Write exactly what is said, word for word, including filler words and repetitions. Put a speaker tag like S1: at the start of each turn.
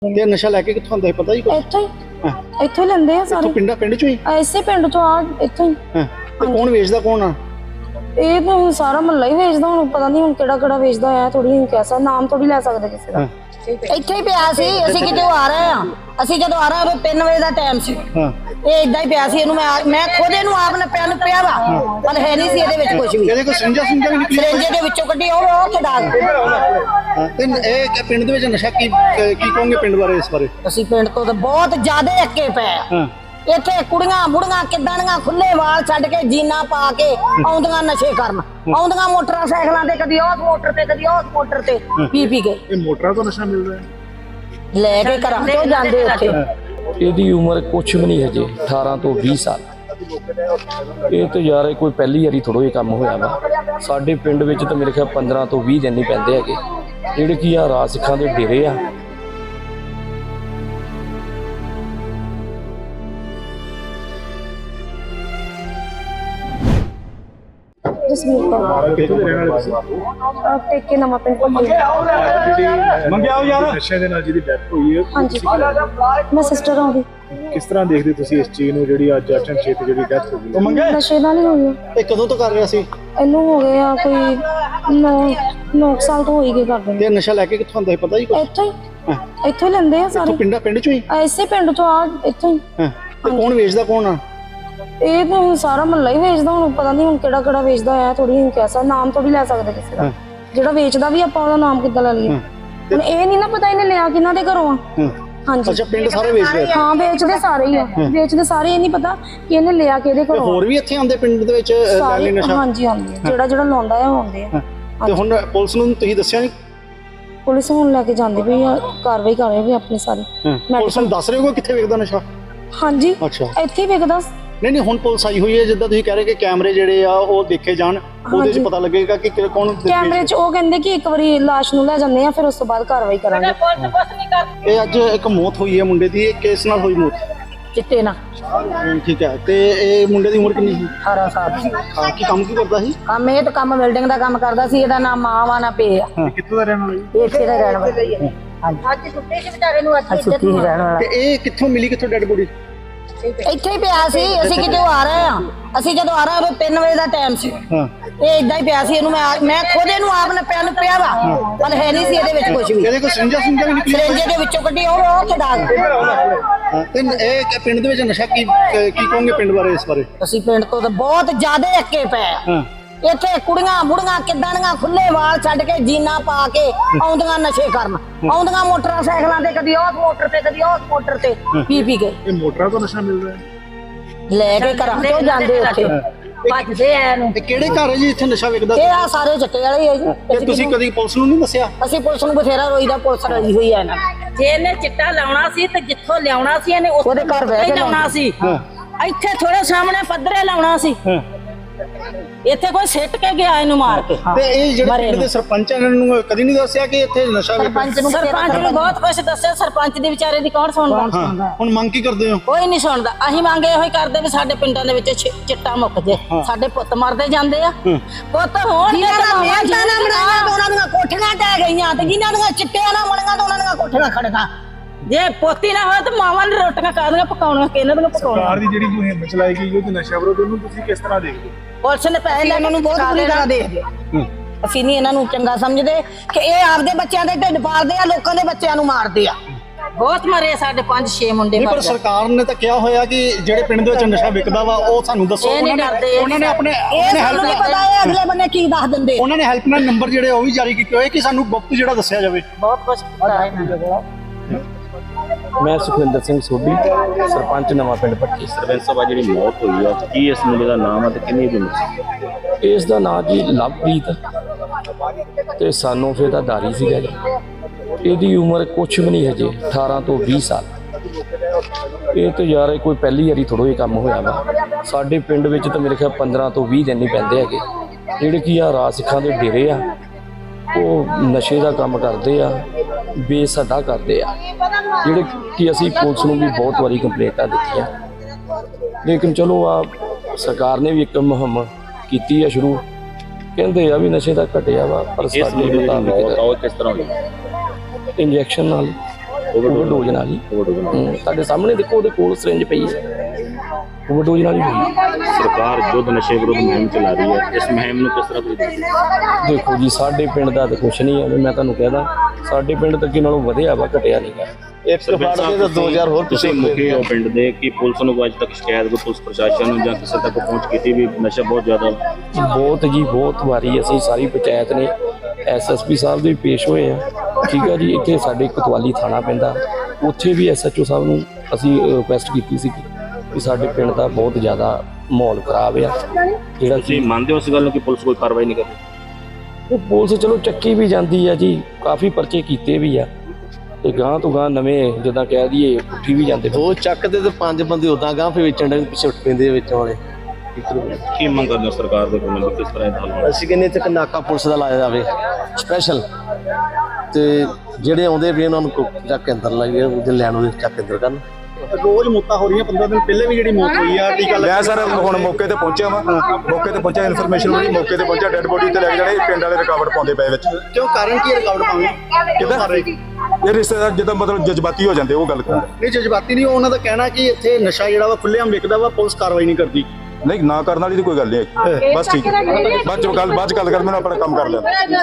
S1: ਤੇ ਨਸ਼ਾ ਲੈ ਕੇ ਕਿੱਥੋਂ ਆਉਂਦਾ ਹੈ ਪਤਾ ਹੀ ਕੋਈ?
S2: ਇੱਥੋਂ ਹੀ ਇੱਥੋਂ ਹੀ ਲੈਂਦੇ ਆ ਸਾਰੇ
S1: ਪਿੰਡਾਂ ਪਿੰਡ ਚੋਂ ਹੀ?
S2: ਐਸੇ ਪਿੰਡ ਤੋਂ ਆ ਇੱਥੋਂ ਹੀ।
S1: ਹਾਂ ਤੇ ਕੌਣ ਵੇਚਦਾ ਕੌਣ ਆ?
S2: ਇਹ ਤਾਂ ਹੁਣ ਸਾਰਾ ਮਹੱਲਾ ਹੀ ਵੇਚਦਾ, ਹੁਣ ਪਤਾ ਨਹੀਂ ਹੁਣ ਕਿਹੜਾ ਕਿਹੜਾ ਵੇਚਦਾ ਆ, ਥੋੜੀ ਹੁਣ ਕਹਿ ਸਕਦਾ, ਨਾਮ ਥੋੜੀ ਲੈ ਸਕਦੇ ਕਿਸੇ ਦਾ।
S3: ਇੱਥੇ ਹੀ ਪਿਆ ਸੀ, ਅਸੀਂ ਕਿਤੇ ਆ ਰਹੇ ਆ, ਅਸੀਂ ਜਦੋਂ ਆ ਰਹੇ ਤਿੰਨ ਵਜੇ ਦਾ ਟਾਈਮ ਸੀ,
S1: ਹਾਂ
S3: ਇਹ ਇਦਾਂ ਹੀ ਪਿਆ ਸੀ। ਇਹਨੂੰ ਮੈਂ ਮੈਂ ਖੁਦ ਇਹਨੂੰ ਆਪ ਨੇ ਪਿਆ ਨੂੰ ਪਿਆ ਵਾ, ਪਰ ਹੈ ਨਹੀਂ ਸੀ ਇਹਦੇ ਵਿੱਚ ਕੁਝ ਵੀ।
S1: ਇਹਦੇ ਕੋਈ ਸਿੰਜਾ ਸਿੰਜਾ ਵੀ ਨਿਕਲੀ?
S3: ਸਰੰਜੇ ਦੇ ਵਿੱਚੋਂ ਕੱਢੀ ਉਹ ਉਹ ਖਿਡਾ ਦਿੱਤੀ।
S1: ਹਾਂ ਤੇ ਇਹ ਪਿੰਡ ਦੇ ਵਿੱਚ ਨਸ਼ਾ ਕੀ ਕੀ ਕਹੋਗੇ ਪਿੰਡ ਬਾਰੇ, ਇਸ ਬਾਰੇ?
S3: ਅਸੀਂ ਪਿੰਡ ਤੋਂ ਤਾਂ ਬਹੁਤ ਜ਼ਿਆਦਾ ਅੱਕੇ ਪਏ ਆ।
S1: ਹਾਂ
S3: ਇੱਥੇ ਕੁੜੀਆਂ ਬੁੜੀਆਂ ਕਿੱਦਾਂ ਦੀਆਂ ਖੁੱਲੇ ਵਾਲ ਛੱਡ ਕੇ ਜੀਨਾ ਪਾ ਕੇ ਆਉਂਦੀਆਂ ਨਸ਼ੇ ਕਰਨ, ਆਉਂਦੀਆਂ ਮੋਟਰਸਾਈਕਲਾਂ ਤੇ, ਕਦੀ ਉਸ ਮੋਟਰ ਤੇ ਕਦੀ ਉਸ ਮੋਟਰ ਤੇ ਪੀ ਪੀ ਕੇ।
S1: ਇਹ ਮੋਟਰਾਂ ਤੋਂ ਨਸ਼ਾ ਮਿਲਦਾ ਹੈ?
S3: ਲੈ ਕੇ ਘਰਾਂ ਤੋਂ ਜਾਂਦੇ ਉੱਥੇ।
S4: ਇਹਦੀ ਉਮਰ ਕੁਛ ਵੀ ਨਹੀਂ ਹਜੇ ਅਠਾਰਾਂ ਤੋਂ ਵੀਹ ਸਾਲ। ਇਹ ਤੇ ਯਾਰ ਇਹ ਕੋਈ ਪਹਿਲੀ ਵਾਰੀ ਥੋੜੋ ਇਹ ਕੰਮ ਹੋਇਆ ਵਾ। ਸਾਡੇ ਪਿੰਡ ਵਿੱਚ ਤਾਂ ਮੇਰੇ ਖਿਆਲ ਪੰਦਰਾਂ ਤੋਂ ਵੀਹ ਦਿਨ ਹੀ ਪੈਂਦੇ ਹੈਗੇ, ਜਿਹੜੇ ਕੀ ਆ ਰਾਜ ਸਿੱਖਾਂ ਦੇ ਡੇਰੇ ਆ।
S2: ਜਸਮੀਤ ਕੌਰ
S1: ਕਿੱਥੋਂ ਦੇ ਰਹਿਣ ਵਾਲੇ?
S2: ਅਹ ਟੇਕੇ ਨਵਾਂ ਪਿੰਡ ਭੱਟੀ।
S1: ਮੰਗਿਆਓ ਯਾਰ ਨਸ਼ੇ ਦੇ ਨਾਲ ਜਿਹਦੀ ਡੈਥ ਹੋਈ ਹੈ,
S2: ਹਾਂਜੀ ਮੈਂ ਸਿਸਟਰ ਹਾਂ ਉਹਦੀ।
S5: ਕਿਸ ਤਰ੍ਹਾਂ ਦੇਖਦੇ ਤੁਸੀਂ ਇਸ ਚੀਜ਼ ਨੂੰ ਜਿਹੜੀ ਅੱਜ ਅਚਨਚੇਤ ਜਿਹੜੀ ਡੈਥ ਹੋ ਗਈ?
S1: ਉਹ ਮੰਗੇ
S2: ਨਸ਼ੇ ਨਾਲ ਹੀ ਹੋਈ ਆ।
S1: ਇਹ ਕਦੋਂ ਤੋਂ ਕਰ ਰਿਹਾ ਸੀ?
S2: ਇਹਨੂੰ ਹੋ ਗਏ ਆ ਕੋਈ ਨੌ ਨੌ ਸਾਲ ਤੋਂ ਹੋਈ ਗਏ ਕਰਦੇ
S1: ਤੇ ਨਸ਼ਾ ਲੈ ਕੇ ਕਿੱਥੋਂ ਆਉਂਦਾ ਹੈ ਪਤਾ ਹੀ ਕੋਈ?
S2: ਇੱਥੋਂ ਹੀ ਇੱਥੋਂ ਹੀ ਲੈਂਦੇ ਆ ਸਾਰੇ
S1: ਪਿੰਡਾਂ ਪਿੰਡ ਚੋਂ ਹੀ?
S2: ਐਸੇ ਪਿੰਡ ਤੋਂ ਆ ਇੱਥੋਂ ਹੀ।
S1: ਹਾਂ ਤੇ ਕੌਣ ਵੇਚਦਾ ਕੌਣ ਆ?
S2: ਇਹ ਤਾਂ ਹੁਣ ਸਾਰਾ ਮਹੱਲਾ ਹੀ ਵੇਚਦਾ, ਹੁਣ ਪਤਾ ਨਹੀਂ ਹੁਣ ਕਿਹੜਾ ਕਿਹੜਾ ਵੇਚਦਾ ਆ, ਥੋੜੀ ਹੁਣ ਕਹਿ ਸਕਦਾ, ਨਾਮ ਥੋੜੀ ਲੈ ਸਕਦੇ ਕਿਸੇ ਦਾ। ਜਿਹੜਾ ਵੇਚਦਾ ਵੀ ਆਪਾਂ ਉਹਦਾ ਨਾਮ ਕਿੱਦਾਂ ਲੈ ਲਈਏ? ਹੁਣ ਇਹ ਨਹੀਂ ਨਾ ਪਤਾ ਇਹਨੇ ਲਿਆ ਕਿਹਨਾਂ ਦੇ ਘਰੋਂ ਆ। ਹਾਂਜੀ
S1: ਅੱਛਾ ਪਿੰਡ ਸਾਰੇ ਵੇਚਦੇ ਆ?
S2: ਹਾਂ ਵੇਚਦੇ ਸਾਰੇ ਹੀ ਆ, ਵੇਚਦੇ ਸਾਰੇ, ਇਹ ਨਹੀਂ ਪਤਾ ਕਿ ਇਹਨੇ ਲਿਆ ਕਿਹਦੇ
S1: ਤੇ
S2: ਘਰੋਂ।
S1: ਹੋਰ ਵੀ ਇੱਥੇ ਆਉਂਦੇ ਪਿੰਡ ਦੇ ਵਿੱਚ ਲੈ
S2: ਸਾਰੇ
S1: ਨਸ਼ਾ?
S2: ਹਾਂਜੀ ਹਾਂਜੀ, ਜਿਹੜਾ ਜਿਹੜਾ ਲਾਉਂਦਾ ਆ ਉਹ ਆਉਂਦੇ ਆ।
S1: ਤੇ ਹੁਣ ਪੁਲਿਸ ਨੂੰ ਤੁਸੀਂ ਦੱਸਿਆ ਨਹੀਂ?
S2: ਪੁਲਿਸ ਹੁਣ ਲੈ ਕੇ ਜਾਂਦੇ ਵੀ ਆ, ਕਾਰਵਾਈ ਕਰ ਰਹੇ ਵੀ ਆਪਣੀ ਸਾਰੀ।
S1: ਪੁਲਿਸ ਨੂੰ ਦੱਸ ਰਹੇ ਹੋ ਕਿੱਥੇ ਵੇਚਦਾ ਨਸ਼ਾ?
S2: ਹਾਂਜੀ
S1: ਅੱਛਾ
S2: ਇੱਥੇ ਹੀ ਵਿਕਦਾ।
S1: ਨਹੀਂ ਨਹੀਂ ਹੁਣ ਪੁਲਿਸ ਆਈ ਹੋਈ ਹੈ, ਜਿੱਦਾਂ ਤੁਸੀਂ ਕਹਿ ਰਹੇ ਕਿ ਕੈਮਰੇ ਜਿਹੜੇ ਆ ਉਹ ਦੇਖੇ ਜਾਣ, ਉਹਦੇ 'ਚ ਪਤਾ ਲੱਗੇਗਾ ਕਿ ਕਿ- ਕੌਣ
S2: ਕੈਮਰੇ 'ਚ ਉਹ ਕਹਿੰਦੇ ਕਿ ਇੱਕ ਵਾਰੀ ਲਾਸ਼ ਨੂੰ ਲੈ ਜਾਂਦੇ ਆ, ਫਿਰ ਉਸ ਤੋਂ ਬਾਅਦ ਕਾਰਵਾਈ ਕਰਾਂਗੇ।
S1: ਇਹ ਅੱਜ ਇੱਕ ਮੌਤ ਹੋਈ ਹੈ ਮੁੰਡੇ ਦੀ, ਇਹ ਕਿਸ ਨਾਲ ਹੋਈ ਮੌਤ?
S3: ਚਿੱਟੇ ਨਾ
S1: ਠੀਕ ਹੈ ਤੇ ਇਹ ਮੁੰਡੇ ਦੀ ਉਮਰ ਕਿੰਨੀ ਸੀ?
S3: ਅਠਾਰਾਂ ਸਾਲ ਸੀ।
S1: ਹਾਂ ਕੀ ਕੰਮ ਕੀ ਕਰਦਾ ਸੀ?
S3: ਕੰਮ ਇਹ ਤਾਂ ਕੰਮ ਬਿਲਡਿੰਗ ਦਾ ਕੰਮ ਕਰਦਾ ਸੀ। ਇਹਦਾ ਨਾਮ ਮਾਵਾ ਨਾ ਪੇ ਆ,
S5: ਕਿੱਥੋਂ ਦਾ ਰਹਿਣ ਵਾਲਾ ਜੀ?
S3: ਇਹ ਇੱਥੇ ਦਾ ਰਹਿਣ ਵਾਲਾ। ਅੱਜ ਛੁੱਟੇ ਸੀ ਵਿਚਾਰੇ ਨੂੰ, ਅੱਜ ਛੁੱਟੀ ਹੀ ਰਹਿਣ ਵਾਲਾ।
S1: ਤੇ ਇਹ ਕਿੱਥੋਂ ਮਿਲੀ, ਕਿੱਥੋਂ ਡੈਡ ਬੋਡੀ?
S3: ਇੱਥੇ ਹੀ ਪਿਆ ਸੀ, ਅਸੀਂ ਕਿਤੇ ਆ ਰਹੇ ਆ, ਅਸੀਂ ਜਦੋਂ ਆ ਰਹੇ ਤਿੰਨ ਵਜੇ ਦਾ ਟਾਈਮ ਸੀ,
S1: ਹਾਂ
S3: ਇਹ ਇਦਾਂ ਹੀ ਪਿਆ ਸੀ। ਇਹਨੂੰ ਮੈਂ ਮੈਂ ਖੁਦ ਇਹਨੂੰ ਆਪ ਨੇ ਪਿਆ ਨੂੰ ਪਿਆ ਵਾ, ਪਰ ਹੈ ਨਹੀਂ ਸੀ ਇਹਦੇ ਵਿੱਚ ਕੁਝ ਵੀ।
S1: ਇਹਦੇ ਕੋਈ ਸਿੰਜਾ ਸਿੰਜਾ ਵੀ ਨਿਕਲੀ?
S3: ਸਰੰਜੇ ਦੇ ਵਿੱਚੋਂ ਕੱਢੀ ਉਹ ਉਹ ਖਿਡਾ ਦਿੱਤੀ।
S1: ਹਾਂ ਤੇ ਇਹ ਪਿੰਡ ਦੇ ਵਿੱਚ ਨਸ਼ਾ ਕੀ ਕੀ ਕਹੋਗੇ ਪਿੰਡ ਬਾਰੇ, ਇਸ ਬਾਰੇ?
S3: ਅਸੀਂ ਪਿੰਡ ਤੋਂ ਤਾਂ ਬਹੁਤ ਜ਼ਿਆਦਾ ਅੱਕੇ ਪਏ ਆ।
S1: ਹਾਂ
S3: ਇੱਥੇ ਕੁੜੀਆਂ ਬੁੜੀਆਂ ਕਿੱਦਾਂ ਦੀਆਂ ਖੁੱਲੇ ਵਾਲ ਛੱਡ ਕੇ ਜੀਨਾ ਪਾ ਕੇ ਆਉਂਦੀਆਂ ਨਸ਼ੇ ਕਰਨ, ਆਉਂਦੀਆਂ ਮੋਟਰਸਾਈਕਲਾਂ ਤੇ, ਕਦੀ ਉਸ ਮੋਟਰ ਤੇ ਕਦੀ ਉਸ ਮੋਟਰ ਤੇ ਪੀ ਪੀ ਕੇ।
S5: ਇਹ ਮੋਟਰਾਂ ਤੋਂ ਨਸ਼ਾ ਮਿਲਦਾ ਹੈ?
S3: ਲੈ ਕੇ ਘਰਾਂ ਤੋਂ ਜਾਂਦੇ ਉੱਥੇ, ਭੱਜਦੇ ਆ ਇਹਨੂੰ।
S1: ਇਹ ਕਿਹੜੇ ਘਰ ਹੈ ਜੀ ਇੱਥੇ ਨਸ਼ਾ ਵਿਕਦਾ?
S3: ਇਹ ਆ ਸਾਰੇ ਚੱਟੇ ਵਾਲੇ ਹੀ ਆ ਜੀ।
S1: ਤੇ ਤੁਸੀਂ ਕਦੀ ਪੁਲਿਸ ਨੂੰ ਨਹੀਂ ਦੱਸਿਆ?
S3: ਅਸੀਂ ਪੁਲਿਸ ਨੂੰ ਬਥੇਰਾ ਰੋਈਦਾ, ਪੁਲਿਸ ਰੋਈ ਹੋਈ ਆ ਇਹਨਾਂ ਨਾਲ।
S6: ਜੇ ਇਹਨੇ ਚਿੱਟਾ ਲਾਉਣਾ ਸੀ ਤੇ ਜਿੱਥੋਂ ਲਿਆਉਣਾ ਸੀ ਇਹਨੇ
S3: ਉਹਦੇ ਘਰ ਬਹਿ ਕੇ
S6: ਲਾਉਣਾ ਸੀ। ਇੱਥੇ ਥੋੜੇ ਸਾਹਮਣੇ ਪੱਧਰੇ ਲਾਉਣਾ ਸੀ, ਇੱਥੇ ਕੋਈ ਸਿੱਟ ਕੇ ਗਿਆ ਇਹਨੂੰ ਮਾਰ ਕੇ।
S1: ਤੇ ਇਹ ਜਿਹੜੇ ਪਿੰਡ ਦੇ ਸਰਪੰਚ ਇਹਨਾਂ ਨੂੰ ਕਦੀ ਨਹੀਂ ਦੱਸਿਆ ਕਿ ਇੱਥੇ ਨਸ਼ਾ ਵਿਕਦਾ?
S3: ਸਰਪੰਚ ਨੂੰ
S6: ਸਰਪੰਚ ਨੂੰ ਬਹੁਤ ਕੁਝ ਦੱਸਿਆ, ਸਰਪੰਚ ਦੇ ਵਿਚਾਰੇ ਦੀ ਕੌਣ ਸੁਣਦਾ?
S1: ਹਾਂ ਹੁਣ ਮੰਗ ਕੀ ਕਰਦੇ ਹੋ?
S6: ਕੋਈ ਨਹੀਂ ਸੁਣਦਾ। ਅਸੀਂ ਮੰਗ ਇਹੋ ਹੀ ਕਰਦੇ ਵੀ ਸਾਡੇ ਪਿੰਡਾਂ ਦੇ ਵਿੱਚ ਛਿ- ਚਿੱਟਾ ਮੁੱਕ ਜੇ। ਸਾਡੇ ਪੁੱਤ ਮਰਦੇ ਜਾਂਦੇ ਆ, ਪੁੱਤ ਹੋਣ
S3: ਜਿਨ੍ਹਾਂ ਦਾ ਮਿਹਨਤਾਂ ਨਾਲ ਬਣਾਈਆਂ ਤੇ ਉਹਨਾਂ ਦੀਆਂ ਕੋਠੀਆਂ ਟਹਿ ਗਈਆਂ, ਤੇ ਜਿਨ੍ਹਾਂ ਦੀਆਂ ਚਿੱਟਿਆਂ ਨਾਲ ਬਣੀਆਂ ਤੇ ਉਹਨਾਂ ਦੀਆਂ ਕੋਠੀਆਂ ਖੜੀਆਂ।
S6: ਜੇ ਪੋਤੀ ਨਾ ਹੋਵੇ ਤਾਂ ਮਾਵਾਂ ਨੇ ਰੋਟੀਆਂ ਕਾਹਦੀਆਂ ਪਕਾਉਣੀਆਂ, ਕਿਹਨਾਂ ਦੀਆਂ ਪਕਾਉਣੀਆਂ?
S5: ਸਰਕਾਰ ਦੀ ਜਿਹੜੀ ਮੁਹਿੰਮ ਚਲਾਈ ਗਈ ਉਹਦੇ ਨਸ਼ਾ ਵਿਰੋਧ, ਉਹਨੂੰ ਤੁਸੀਂ ਕਿਸ ਤਰ੍ਹਾਂ ਦੇਖਦੇ ਹੋ?
S6: ਪੁਲਿਸ ਨੇ ਪੈਸੇ ਲੈ
S3: ਇਹਨਾਂ ਨੂੰ ਬਹੁਤ ਬੁਰੀ ਤਰ੍ਹਾਂ ਦੇਖਦੇ। ਅਸੀਂ ਨਹੀਂ ਇਹਨਾਂ ਨੂੰ ਚੰਗਾ ਸਮਝਦੇ ਕਿ ਇਹ ਆਪਦੇ ਬੱਚਿਆਂ ਦੇ ਢਿੱਡ ਪਾਲਦੇ ਆ, ਲੋਕਾਂ ਦੇ ਬੱਚਿਆਂ ਨੂੰ ਮਾਰਦੇ ਆ।
S6: ਬਹੁਤ ਮਰੇ ਸਾਡੇ ਪੰਜ ਛੇ ਮੁੰਡੇ
S1: ਨਹੀਂ ਪਰ
S6: ਮਰ ਗਏ।
S1: ਸਰਕਾਰ ਨੇ ਤਾਂ ਕਿਹਾ ਹੋਇਆ ਕਿ ਜਿਹੜੇ ਪਿੰਡ ਦੇ ਵਿੱਚ ਨਸ਼ਾ ਵਿਕਦਾ ਵਾ ਉਹ ਸਾਨੂੰ ਦੱਸੋ।
S6: ਇਹ ਨਹੀਂ
S1: ਉਹਨਾਂ ਨੇ
S6: ਕਰਦੇ।
S1: ਉਹਨਾਂ ਨੇ ਆਪਣੇ
S3: ਇਹ
S1: ਆਪਣੇ
S3: ਸਾਨੂੰ ਨਹੀਂ
S1: ਹੈਲਪ
S3: ਪਤਾ ਇਹ ਅਗਲੇ ਬੰਨੇ ਕੀ ਦੱਸ ਦਿੰਦੇ।
S1: ਉਹਨਾਂ ਨੇ ਹੈਲਪਲਾਈਨ ਨੰਬਰ ਜਿਹੜੇ ਉਹ ਵੀ ਜਾਰੀ ਕੀਤੇ ਹੋਏ ਕਿ ਸਾਨੂੰ ਗੁਪਤ ਜਿਹੜਾ ਦੱਸਿਆ ਜਾਵੇ।
S6: ਬਹੁਤ ਕੁਝ ਪਤਾ ਇਹਨਾਂ ਨੂੰ।
S4: ਮੈਂ ਸੁਖਵਿੰਦਰ ਸਿੰਘ ਸੋਢੀ, ਸਰਪੰਚ ਨਵਾਂ ਪਿੰਡ ਭੱਟੀ।
S7: ਸਰਪੰਚ ਸਾਹਿਬ ਜਿਹੜੀ ਮੌਤ ਹੋਈ ਹੈ, ਕੀ ਇਸ ਮੁੰਡੇ ਦਾ ਨਾਮ ਹੈ ਤੇ ਕਿੰਨੀ ਦੀ ਉਮਰ ਸੀ?
S4: ਇਸ ਦਾ ਨਾਂ ਜੀ ਲਵਪ੍ਰੀਤ, ਤੇ ਸਾਨੂੰ ਫਿਰ ਦਾ ਦਾਰੀ ਸੀਗਾ ਜੀ। ਇਹਦੀ ਉਮਰ ਕੁਛ ਵੀ ਨਹੀਂ ਹਜੇ ਅਠਾਰਾਂ ਤੋਂ ਵੀਹ ਸਾਲ। ਇਹ ਤੇ ਯਾਰ ਇਹ ਕੋਈ ਪਹਿਲੀ ਵਾਰੀ ਥੋੜੋ ਇਹ ਕੰਮ ਹੋਇਆ ਵਾ। ਸਾਡੇ ਪਿੰਡ ਵਿੱਚ ਤਾਂ ਮੇਰੇ ਖਿਆਲ ਪੰਦਰਾਂ ਤੋਂ ਵੀਹ ਦਿਨ ਹੀ ਪੈਂਦੇ ਹੈਗੇ, ਜਿਹੜੇ ਕੀ ਆ ਰਾਜ ਸਿੱਖਾਂ ਦੇ ਡੇਰੇ ਆ, ਉਹ ਨਸ਼ੇ ਦਾ ਕੰਮ ਕਰਦੇ ਆ, ਬੇਸਦਾ ਕਰਦੇ ਆ, ਜਿਹੜੇ ਕਿ ਅਸੀਂ ਪੁਲਿਸ ਨੂੰ ਵੀ ਬਹੁਤ ਵਾਰੀ ਕੰਪਲੇਂਟਾਂ ਦਿੱਤੀਆਂ। ਲੇਕਿਨ ਚਲੋ ਆ ਸਰਕਾਰ ਨੇ ਵੀ ਇੱਕ ਮੁਹਿੰਮ ਕੀਤੀ ਆ ਸ਼ੁਰੂ, ਕਹਿੰਦੇ ਆ ਵੀ ਨਸ਼ੇ ਦਾ ਘਟਿਆ ਵਾ, ਪਰ
S7: ਇਸ
S4: ਸਾਡੇ
S7: ਮੁੰਡੇ ਦੀ ਮੌਤ
S4: ਮੁਤਾਬਿਕ
S7: ਉਹ ਕਿਸ ਤਰ੍ਹਾਂ ਹੋਈ?
S4: ਇੰਜੈਕਸ਼ਨ ਨਾਲ ਓਵਰਡੋਜ਼ ਨਾਲ ਹੀ। ਹੂੰ, ਤੁਹਾਡੇ ਸਾਹਮਣੇ ਦੇਖੋ ਉਹਦੇ ਕੋਲ ਸਿਰਿੰਜ ਪਈ ਹੈ, ਓਵਰਡੋਜ਼ ਨਾਲ ਹੀ ਹੋਈ ਹੈ।
S7: ਸਰਕਾਰ ਯੁੱਧ ਨਸ਼ੇ ਵਿਰੁੱਧ ਮੁਹਿੰਮ ਚਲਾ ਰਹੀ ਹੈ, ਇਸ ਮੁਹਿੰਮ ਨੂੰ ਕਿਸ ਤਰ੍ਹਾਂ ਤੁਸੀਂ ਦੇਖਦੇ ਹੋ?
S4: ਦੇਖੋ ਜੀ, ਸਾਡੇ ਪਿੰਡ ਦਾ ਤਾਂ ਕੁਛ ਨਹੀਂ ਹੈ, ਮੈਂ ਤੁਹਾਨੂੰ ਕਹਿਦਾ ਸਾਡੇ ਪਿੰਡ ਤਾਂ ਅੱਗੇ ਨਾਲੋਂ ਵਧਿਆ ਵਾ, ਘਟਿਆ ਨਹੀਂ ਗਾ।
S1: ਇੱਕ ਫੜ ਕੇ ਤਾਂ ਦੋ ਹਜ਼ਾਰ ਹੋਰ
S7: ਤੁਸੀਂ ਮੁਖੀ ਹੋ ਪਿੰਡ ਦੇ, ਕਿ ਪੁਲਿਸ ਨੂੰ ਅੱਜ ਤੱਕ ਸ਼ਿਕਾਇਤ ਕੋਈ ਪੁਲਿਸ ਪ੍ਰਸ਼ਾਸਨ ਨੂੰ ਜਾਂ ਕਿਸੇ ਤੱਕ ਪਹੁੰਚ ਕੀਤੀ ਵੀ ਨਸ਼ਾ ਬਹੁਤ ਜ਼ਿਆਦਾ?
S4: ਬਹੁਤ ਜੀ, ਬਹੁਤ ਵਾਰੀ ਅਸੀਂ ਸਾਰੀ ਪੰਚਾਇਤ ਨੇ ਐਸ ਐਸ ਪੀ ਸਾਹਿਬ ਦੇ ਵੀ ਪੇਸ਼ ਹੋਏ ਆ, ਠੀਕ ਹੈ ਜੀ। ਇੱਥੇ ਸਾਡੇ ਕੋਤਵਾਲੀ ਥਾਣਾ ਪੈਂਦਾ, ਉੱਥੇ ਵੀ ਐਸ ਐਚ ਓ ਸਾਹਿਬ ਨੂੰ ਅਸੀਂ ਰਿਕੁਐਸਟ ਕੀਤੀ ਸੀ ਕਿ ਸਾਡੇ ਪਿੰਡ ਦਾ ਬਹੁਤ ਜ਼ਿਆਦਾ ਮਾਹੌਲ ਖਰਾਬ ਆ, ਜਿਹੜਾ
S7: ਤੁਸੀਂ ਮੰਨਦੇ ਹੋ ਇਸ ਗੱਲ ਨੂੰ ਕਿ ਪੁਲਿਸ ਕੋਈ ਕਾਰਵਾਈ ਨਹੀਂ ਕਰਦੀ?
S4: ਉਹ ਪੁਲਿਸ ਚਲੋ ਚੱਕੀ ਵੀ ਜਾਂਦੀ ਆ ਜੀ, ਕਾਫੀ ਪਰਚੇ ਕੀਤੇ ਵੀ ਆ, ਤੇ ਗਾਂ ਤੋਂ ਗਾਂ ਨਵੇਂ ਜਿੱਦਾਂ ਕਹਿ ਦਈਏ ਉੱਠੀ ਵੀ ਜਾਂਦੇ।
S8: ਉਹ ਚੱਕਦੇ ਤੇ ਪੰਜ ਬੰਦੇ ਉਦਾਂ ਗਾਂ ਫਿਰ ਵੇਚਣ ਦੇ ਪਿੱਛੇ ਉੱਠ ਪੈਂਦੇ ਵਿੱਚ ਵਾਲੇ।
S7: ਕੀ ਮੰਗ ਕਰਦੇ ਹੋ ਸਰਕਾਰ ਦੇ ਕੋਲੋਂ, ਕਿਸ ਤਰ੍ਹਾਂ ਇਹ ਹੱਲ ਹੋਣਾ?
S8: ਅਸੀਂ ਕਹਿੰਦੇ ਇੱਥੇ ਇੱਕ ਨਾਕਾ ਪੁਲਿਸ ਦਾ ਲਾਇਆ ਜਾਵੇ ਸਪੈਸ਼ਲ, ਤੇ ਜਿਹੜੇ ਆਉਂਦੇ ਵੀ ਉਹਨਾਂ ਨੂੰ ਚੱਕ ਕੇ ਅੰਦਰ ਲਾਈਏ, ਉਹਦੇ ਲੈਣ ਉਹਦੇ ਚੱਕ ਕੇ ਅੰਦਰ ਕਰਨ।
S1: ਰੋਜ਼ ਮੌਤਾਂ ਹੋ ਰਹੀਆਂ, ਪੰਦਰਾਂ ਦਿਨ ਪਹਿਲੇ ਵੀ ਜਿਹੜੀ ਮੌਤ ਹੋਈ ਆ, ਟੀਕਾ
S9: ਮੈਂ ਸਰ ਹੁਣ ਮੌਕੇ ਤੇ ਪਹੁੰਚਿਆ ਵਾ, ਮੌਕੇ ਤੇ ਪਹੁੰਚਿਆ, ਇਨਫੋਰਮੇਸ਼ਨ ਮਿਲੀ, ਮੌਕੇ ਤੇ ਪਹੁੰਚਿਆ, ਡੈੱਡ ਬੋਡੀ ਤੇ ਲੈ ਕੇ ਜਾਣੇ, ਪਿੰਡ ਵਾਲੇ ਰੁਕਾਵਟ ਪਾਉਂਦੇ ਪਏ ਵਿੱਚ।
S1: ਕਿਉਂ, ਕਾਰਨ ਕੀ ਰਿਕਾਰਡ ਪਾਉਂਗੇ?
S9: ਕਿੱਦਾਂ ਇਹ ਰਿਸ਼ਤੇਦਾਰ ਜਿੱਦਾਂ ਮਤਲਬ ਜਜ਼ਬਾਤੀ ਹੋ ਜਾਂਦੇ, ਉਹ ਗੱਲ ਕਰ
S1: ਨਹੀਂ, ਜਜ਼ਬਾਤੀ ਨਹੀਂ, ਉਹਨਾਂ ਦਾ ਕਹਿਣਾ ਕਿ ਇੱਥੇ ਨਸ਼ਾ ਜਿਹੜਾ ਵਾ ਖੁੱਲ੍ਹੇਆਮ ਵਿਕਦਾ ਵਾ, ਪੁਲਿਸ ਕਾਰਵਾਈ ਨਹੀਂ ਕਰਦੀ।
S9: ਨਹੀਂ, ਨਾ ਕਰਨ ਵਾਲੀ ਤਾਂ ਕੋਈ ਗੱਲ ਨਹੀਂ ਹੈ। ਬਸ ਠੀਕ ਹੈ, ਬਾਅਦ ਚ ਗੱਲ ਬਾਅਦ ਚ ਗੱਲ ਕਰ, ਮੈਨੂੰ ਆਪਣਾ ਕੰਮ ਕਰ ਲਿਆ।